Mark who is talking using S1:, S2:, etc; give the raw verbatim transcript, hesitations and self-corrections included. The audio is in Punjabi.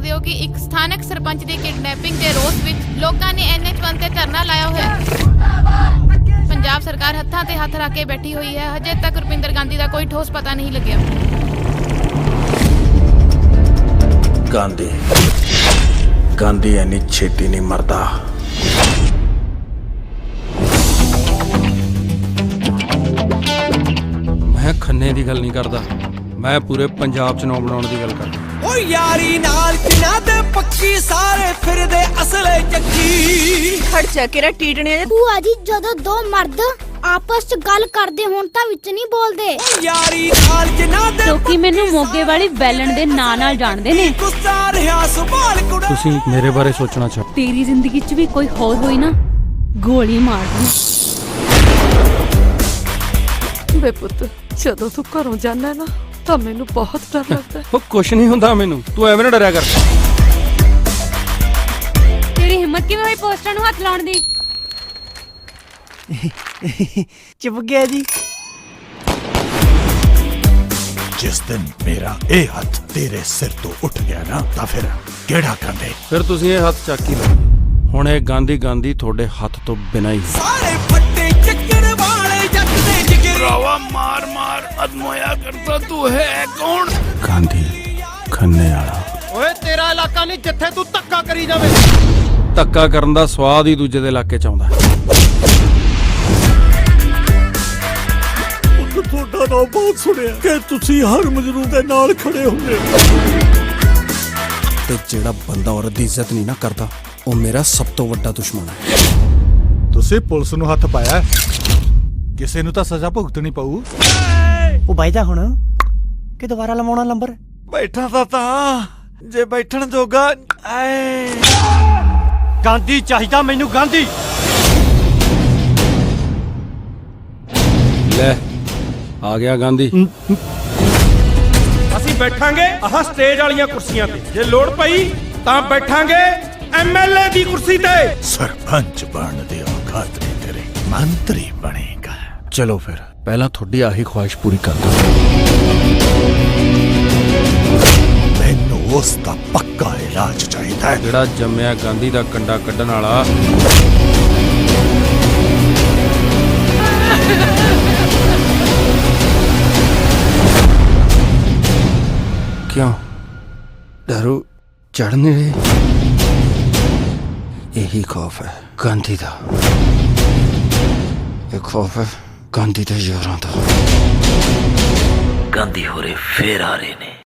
S1: सकते हो कि एक स्थानक सरपंच की किडनैपिंग के रोस विच लोगों ने एन एच वन ते धरना लाया हुआ है। पंजाब सरकार हत्थां ते हत्थ रख के बैठी हुई है। हजे तक रुपिंदर गांधी का कोई ठोस पता नहीं लग्या।
S2: गांधी गांधी इन्नी छेती नहीं मरदा।
S3: मैं खन्ने की गल नहीं करता, मैं पूरे पंजाब चुनाव बनाने की गल करदा।
S4: ओ यारी नाल किना दे पक्की सारे फिरदे असले चक्की
S5: खड़ चकेरा टीटने
S6: ਭੂਆ ਜੀ ਜਦੋਂ ਦੋ ਮਰਦ ਆਪਸ ਚ ਗੱਲ ਕਰਦੇ ਹੋਣ ਤਾਂ ਵਿੱਚ ਨਹੀਂ ਬੋਲਦੇ।
S4: यारी नाल किना दे
S7: ਲੋਕੀ ਮੈਨੂੰ ਮੋਗੇ ਵਾਲੀ ਬੈਲਣ ਦੇ ਨਾਂ ਨਾਲ ਜਾਣਦੇ ਨੇ।
S4: गुस्सा रहा संभाल कुड़ा
S3: ਤੁਸੀਂ ਮੇਰੇ ਬਾਰੇ ਸੋਚਣਾ ਚਾਹੋ।
S7: ਤੇਰੀ ਜ਼ਿੰਦਗੀ 'ਚ ਵੀ ਕੋਈ ਹੋਰ ਹੋਈ ਨਾ, ਗੋਲੀ ਮਾਰ ਦੂੰ।
S5: ਵੇ ਪੁੱਤ ਜਦੋਂ ਤੂੰ ਘਰੋਂ ਜਾਣਾ ਨਾ ਤਾਂ ਮੈਨੂੰ ਬਹੁਤ ਡਰ ਲੱਗਦਾ।
S3: ਉਹ ਕੁਛ ਨਹੀਂ ਹੁੰਦਾ ਮੈਨੂੰ, ਤੂੰ ਐਵੇਂ ਨਾ ਡਰਿਆ ਕਰ।
S7: ਤੇਰੀ ਹਿੰਮਤ ਕਿਵੇਂ ਹੋਈ ਪੋਸਟਰਾਂ ਨੂੰ ਹੱਥ ਲਾਉਣ ਦੀ?
S4: चुप गया जी।
S2: जिस दिन मेरा ए हथ तेरे सिर तो उठ गया ना ਤਾਂ ਫਿਰ ਕਿਹੜਾ ਕੰਦੇ।
S3: ਫਿਰ ਤੁਸੀਂ ਇਹ ਹੱਥ ਚੱਕ ਹੀ ਲਓ। ਹੁਣ ਇਹ ਗਾਂਧੀ ਗਾਂਧੀ ਤੁਹਾਡੇ ਹੱਥ ਤੋਂ ਬਿਨਾਂ ਹੀ ਹੈ।
S4: सारे फट्टे चक्कर वाले जट दे जिगर
S2: रावा मार मार अदमोया करता तू है कौन? गांधी खन्ने वाला।
S8: ਓਏ ਤੇਰਾ ਇਲਾਕਾ ਨਹੀਂ ਜਿੱਥੇ ਤੂੰ ਧੱਕਾ ਕਰੀ ਜਾਵੇਂ।
S3: ਧੱਕਾ ਕਰਨ ਦਾ ਸਵਾਦ ਹੀ ਦੂਜੇ ਦੇ ਇਲਾਕੇ 'ਚ ਆਉਂਦਾ।
S2: ਤੁਹਾਡਾ ਨਾਮ ਬਹੁਤ ਸੁਣਿਆ ਕਿ ਤੁਸੀਂ ਹਰ ਮਜਰੂ ਦੇ ਨਾਲ ਖੜੇ ਹੁੰਦੇ।
S3: ਤੇ ਜਿਹੜਾ ਬੰਦਾ ਔਰਤ ਦੀ ਇੱਜ਼ਤ ਨਹੀਂ ਨਾ ਕਰਦਾ, ਉਹ ਮੇਰਾ ਸਭ ਤੋਂ ਵੱਡਾ ਦੁਸ਼ਮਣ ਹੈ।
S2: ਤੁਸੀਂ ਪੁਲਿਸ ਨੂੰ ਹੱਥ ਪਾਇਆ, ਕਿਸੇ ਨੂੰ ਤਾਂ ਸਜ਼ਾ ਭੁਗਤਣੀ ਪਊ।
S4: ਉਹ ਬਾਈਦਾ ਹੁਣ ਕਿ ਦੁਬਾਰਾ ਲਵਾਉਣਾ ਨੰਬਰ।
S8: ਬੈਠਾ ਤਾਂ ਤਾਂ ਜੇ ਬੈਠਣ ਜੋਗਾ ਐ ਗਾਂਧੀ ਚਾਹੀਦਾ ਮੈਨੂੰ ਗਾਂਧੀ।
S3: ਲੈ ਆ ਗਿਆ ਗਾਂਧੀ।
S8: ਅਸੀਂ ਬੈਠਾਂਗੇ ਆਹ ਸਟੇਜ ਵਾਲੀਆਂ ਕੁਰਸੀਆਂ ਤੇ, ਜੇ ਲੋੜ ਪਈ ਤਾਂ ਬੈਠਾਂਗੇ ਐਮ ਐਲ ਏ ਦੀ ਕੁਰਸੀ ਤੇ।
S2: ਸਰਪੰਚ ਬਣਨ ਦੇ ਔਕਾਤ ਨਹੀਂ ਤੇਰੇ, ਮੰਤਰੀ ਬਣੇਗਾ।
S3: ਚਲੋ ਫਿਰ ਪਹਿਲਾਂ ਤੁਹਾਡੀ ਆਹੀ ਖੁਆਇਸ਼ ਪੂਰੀ ਕਰ ਦੋ।
S2: ਮੈਨੂੰ ਉਸ ਦਾ ਪੱਕਾ ਇਲਾਜ ਚਾਹੀਦਾ ਹੈ।
S3: ਜਿਹੜਾ ਜੰਮਿਆ ਗਾਂਧੀ ਦਾ ਕੰਡਾ ਕੱਢਣ ਵਾਲਾ। क्यों दारू चढ़ नहीं रही? यही खौफ है गांधी का। एक खौफ है गांधी के यारां दा।
S9: गांधी होरे फिर आ रहे ने।